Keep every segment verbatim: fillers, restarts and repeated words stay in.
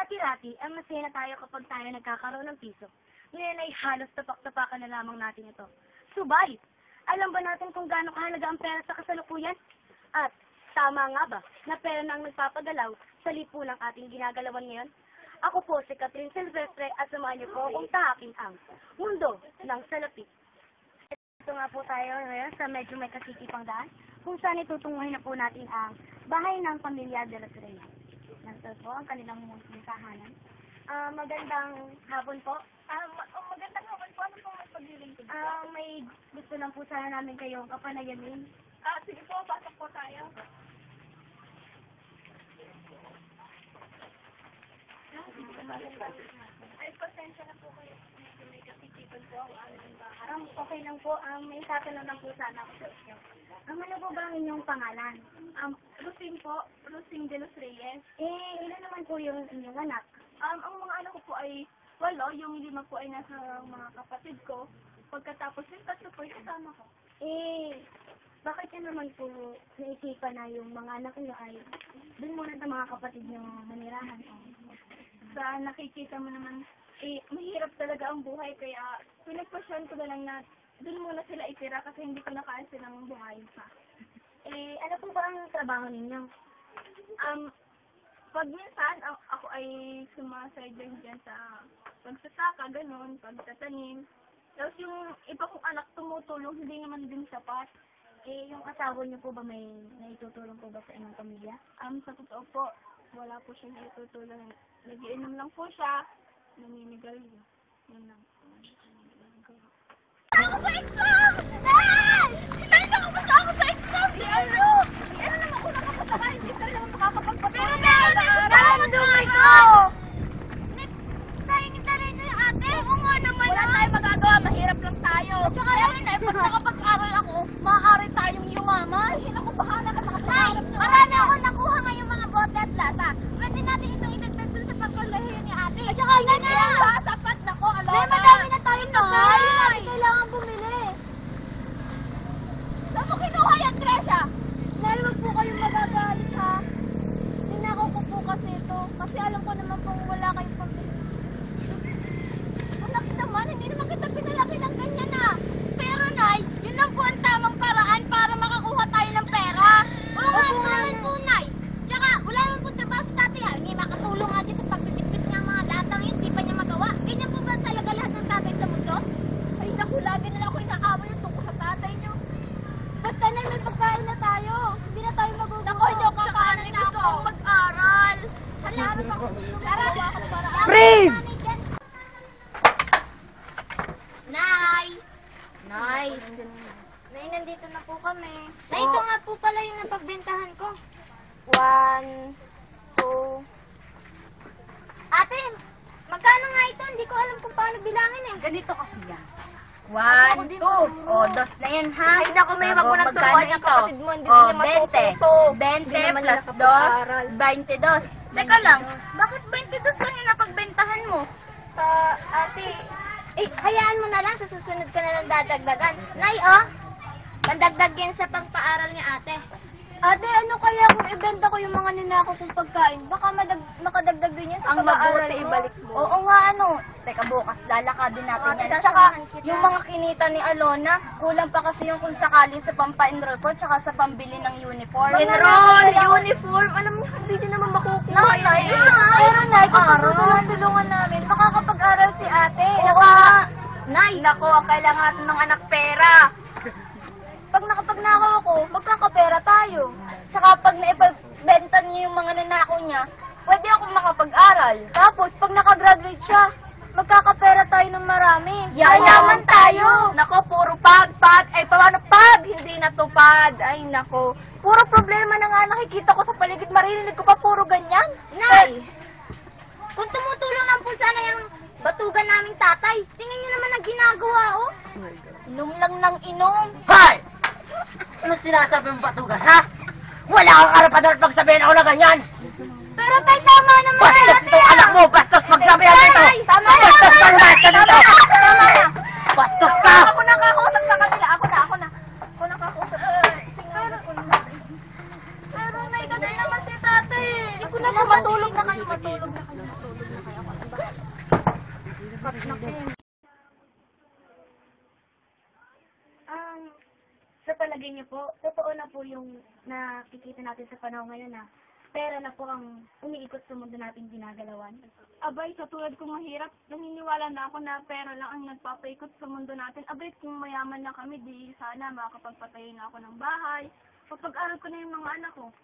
Dati-dati, ang masaya na tayo kapag tayo nagkakaroon ng piso. Ngayon ay halos tapak-tapakan na lamang natin ito. Subalit, alam ba natin kung gaano kahalaga ang pera sa kasalukuyan? At tama nga ba na pera na ang nagpapagalaw sa lipunang ating ginagalawan ngayon? Ako po si Catherine Silvestre at samahan niyo po akong tahaking ang mundo ng salapi. Ito nga po tayo ngayon sa medyo may kasikipang daan kung saan itutunguhin na po natin ang bahay ng pamilya de los Reyes. Nandito po ang kanilang munting tahanan. Uh, magandang hapon po. Uh, ma oh, magandang hapon po. Ano pong magpaglilingkod po? Uh, may gusto lang po sana namin kayong kapanayamin. Ah, uh, sige po. Pasok po tayo. Ay, pasensya na po kayo. May kasitipan po ang aming bahay. Um, okay lang po. Um, may tatanong lang po sana ako sa inyo. Um, ano po ba ang inyong pangalan? Um, Rosing po. Rosing de los Reyes. Eh, ilan naman po yung inyong anak? Um, ang mga anak ko po ay walo. Yung lima po ay nasa mga kapatid ko. Pagkatapos yung tatlo po yung kasama ko. Eh, bakit yan naman po naisipan na yung mga anak nyo ay dun muna sa mga kapatid nyo manirahan? Sa nakikita mo naman, eh, mahirap talaga ang buhay. Kaya pinagpasyon ko na lang na dun muna sila itira kasi hindi ko nakaya silang buhayin pa. Eh, ano po ba ang trabaho ninyo? Um, pag minsan, ako ay sumasaydan dyan sa pagsasaka, ganun, pagtatanim. Tapos yung iba kong anak tumutulong, hindi naman din sapat. Eh, yung asawa niyo po ba may naitutulong po ba sa inyong pamilya? Um, sa totoo po, wala po siya naitutulong. Nagiinom lang po siya, naninigarilyo. Yun lang. Ako sa exam! Ay! Ay, nakapasa ako sa exam! Si ano? Si ano naman ko nakapasaka, hindi ka rin naman makakapagpapasa. Pero meron na yung tama doon ko! Sayang yung taray na yung ate. Oo nga naman. Wala tayong magagawa, mahirap lang tayo. Tsaka yun na, pag nakapag-aral ako, maaari tayong yumaman. Ay, naku, bahala ka nakapag-aral. Nay, marami ako nakuha ngayong mga bote at lata. Pwede natin itong idagdag dun sa pagkalahiyo ni ate. At saka yun na lang. Sapat na ko, alona. May madami na tayong pagkain. Hindi natin kailangan bumili. Saan mo kinuha yan, Tresha? Nay, wag po kayong magagalit, ha? Ninakaw ko po kasi ito. Kasi alam ko naman pong wala kayong pambili. Anak naman, hindi naman kita pinalaki ng ganyan, ha? Pero, Nay, yun lang po ang tamang paraan para makakuha tayo ng pera. Oo nga, naman po, Nay. Tsaka, wala naman po trabaho sa tatay, ha? Hindi makatulong nga din sa pagtitipit niya mga latang yun, di pa niya magawa. Ganyan po ba talaga lahat ng tatay sa mundo? Ay, naku, lagi na lang ako inaaway yung tungkol sa tatay niyo. Basta na may pagkain na tayo. Hindi na tayo magugulo. Naku, hindi ako kakaanay na gusto kong mag-aral. Halaran ako. Narawa ako para. Freeze! Nay! Nay! Nay, nandito na po kami. Nay, Oh. ito nga po pala yung napagbentahan ko. One, two... Ate, magkano nga ito? Hindi ko alam kung paano bilangin eh. Ganito kasi yan. One, two. O, dos na yan, ha? Ay, naku, may wag mo nang turuan yung kapatid mo. Hindi O, sila bente. matututo. Bente Hindi naman plus nila dos, kapag-aral. baintidos. Teka lang, bakit baintidos lang yung napagbentahan mo? Ah, ate, eh, hayaan mo na lang. Sa susunod ka na lang dadagdagan. Nay, oh, pandagdag yan sa pangpaaral ni ate. Ate, ano kaya kung ibenta ko yung mga ninako kong pagkain? Baka madag makadagdag din yan sa Ang pag-aaral mabuti, mo. ibalik mo. Oo nga, ano. Teka, bukas lalakadin natin Ate, yan. Tsaka, sasamahan kita. yung mga kinita ni Alona, kulang pa kasi yung kung sakali sa pampa-enroll ko, tsaka sa pambili ng uniform. Enroll, uniform, alam mo, hindi din naman makukuha Nay, yan. pero Nay, kung Aral. tutulong-tulungan namin, makakapag-aral si ate. Oo nga. Nay, nako, ang kailangan natin ng anak pera. Pag nakapagnakaw ako, magkakapera tayo. Tsaka pag naipabenta niya yung mga nanakaw niya, pwede ako makapag-aral. Tapos, pag nakagraduate siya, magkakapera tayo ng marami. Yayaman tayo. Nako, puro pag, pag. Ay, paano pag? Hindi natupad. Ay, nako. Puro problema na nga nakikita ko sa paligid. Maririnig ko pa puro ganyan. Nay, kung tumutulong lang po sana yung batugan naming tatay, tingnan niyo naman ang ginagawa, oh. Inom lang ng inom. Hoy! Ano sinasabi mong batugan, ha? Wala kang karapatan pagsabihin ako na ganyan! Pero tay, tama naman. Bastos itong anak mo! Bastos magsabihan dito! Tama na, Bastos tama ka na, naman ka dito! tama na. Bastos ka! Ako nakakausap sa kanila. Ako na, ako na. Ako nakakausap. Pero, pero may kasi naman si tatay. Hindi ko na matulog na kayo, matulog na kayo. Matulog na kaya ako. Ano ba? Kat na Kim. Um, sa palagay niyo po, totoo na po yung nakikita natin sa panahon ngayon na pera na po ang umiikot sa mundo nating ginagalawan. Abay, sa tulad kong mahirap, naniniwala na ako na pera lang ang nagpapaikot sa mundo natin. Abay, kung mayaman na kami, di sana makakapagpatayo na ako ng bahay. Pagpag-aral ko na yung mga anak ko.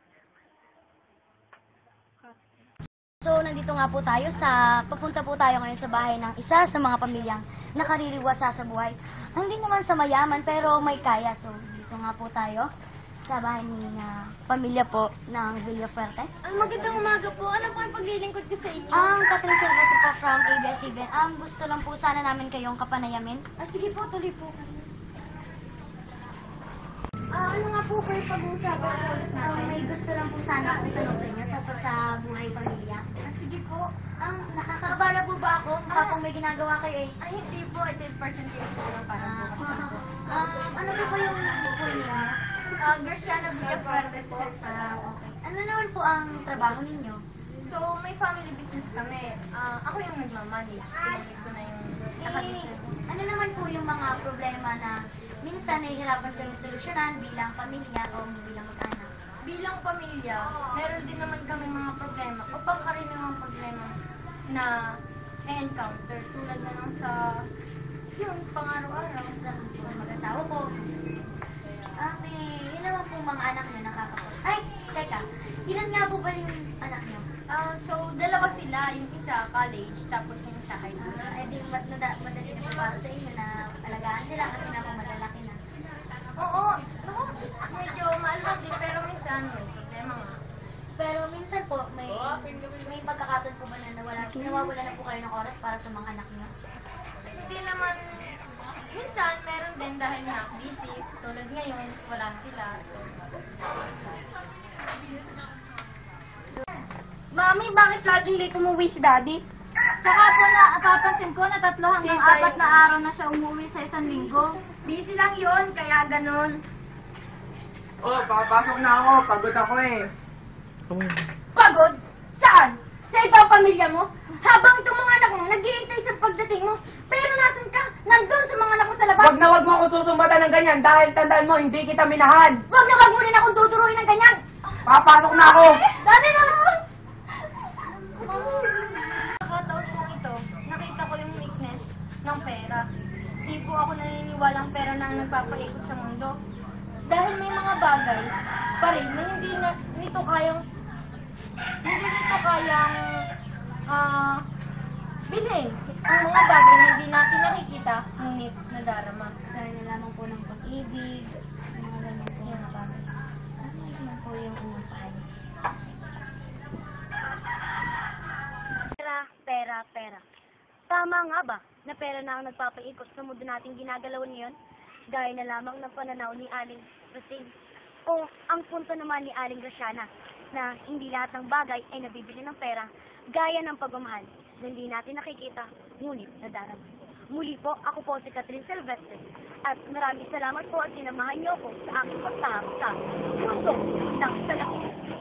So, nandito nga po tayo sa, papunta po tayo ngayon sa bahay ng isa sa mga pamilyang nakaririwasa sa buhay. Hindi naman sa mayaman, pero may kaya. So, dito nga po tayo sa bahay ni na pamilya po ng Villafuerte. Ang magandang umaga po. Ano po ang paglilingkod ko sa inyo? Ang Catherine Silvestre po from A B S C B N. Ang gusto lang po sana namin kayong kapanayamin. Ah, sige po, tuloy po. Ah, ano nga po ba yung pag-uusapan po ulit Um, natin? may gusto lang po sana akong tanong sa inyo tungkol sa buhay pamilya. Ah, sige po. Ang nakakabala po ba ako? Baka kung may ginagawa kayo eh. Ay, hindi po. Ito yung percentage ko lang para po. Um, ano po ba yung buko niyo? Ah, Graciana Villafuerte po. Ah, okay. Ano naman po ang trabaho ninyo? So, may family business kami. Ah, ako yung nagmamanage. Tinulid ko na yung Eh, nakabusiness. ano naman po yung mga problema na minsan nahihirapan kami solusyonan bilang pamilya o bilang mag-anak? Bilang pamilya, meron din naman kami mga problema o pangkaraniwang problema na encounter tulad na lang sa yung pang-araw-araw. Sa mga mag-asawa po. Ah, may, yun naman po mga anak niyo nakakapag... Ay, teka. Ilan nga po ba yung anak niyo? Ah, so, dalawa sila. Yung isa college, tapos yung isa high school. Ah, eh di mat nada- madali na po para sa inyo na alagaan sila kasi na po madalaki na. Oo, naku, medyo maalwan din pero minsan may problema nga. Pero minsan po, may may pagkakataon po ba na nawala, nawawala na po kayo ng oras para sa mga anak niyo? Hindi naman, minsan meron din dahil nga busy. Tulad ngayon, wala sila. So, Mami, bakit laging late umuwi si Daddy? Tsaka po na, papansin ko na tatlo hanggang Tita, apat na yun. araw na siya umuwi sa isang linggo. busy lang yon kaya ganun. Oh, papasok na ako. Pagod ako eh. Pagod? Saan? Sa ibang pamilya mo? Habang itong mga anak mo, nag-iintay sa pagdating mo. Pero nasan ka? Nandun sa mga anak mo sa labas. Wag na wag mo ako susumbatan ng ganyan dahil tandaan mo, hindi kita minahal. Wag na wag mo rin akong tuturuin ng ganyan. Papasok na ako. Dati na naman! Pagkataon kong ito, nakita ko yung weakness ng pera. Di po ako naniniwalang pera na ang nagpapaikot sa mundo. Dahil may mga bagay pa rin na hindi na, nito kayang hindi nito kayang ah bilhin. Ang mga bagay na hindi natin nakikita, ngunit nadarama. Dahil na lamang po ng pag-ibig, mga ganyan po mga bagay. Ano naman po yung unang pahali? Pera, pera, pera. Tama nga ba na pera na ang nagpapaikot sa mundo nating ginagalaw ngayon? Gaya na lamang ng pananaw ni Aling Rosing. O ang punto naman ni Aling Graciana na hindi lahat ng bagay ay nabibili ng pera gaya ng pagmamahal na hindi natin nakikita, ngunit nadarama. Muli po, ako po si Catherine Silvestre at maraming salamat po at sinamahan niyo ako sa aking pagtahap sa puso ng salamin.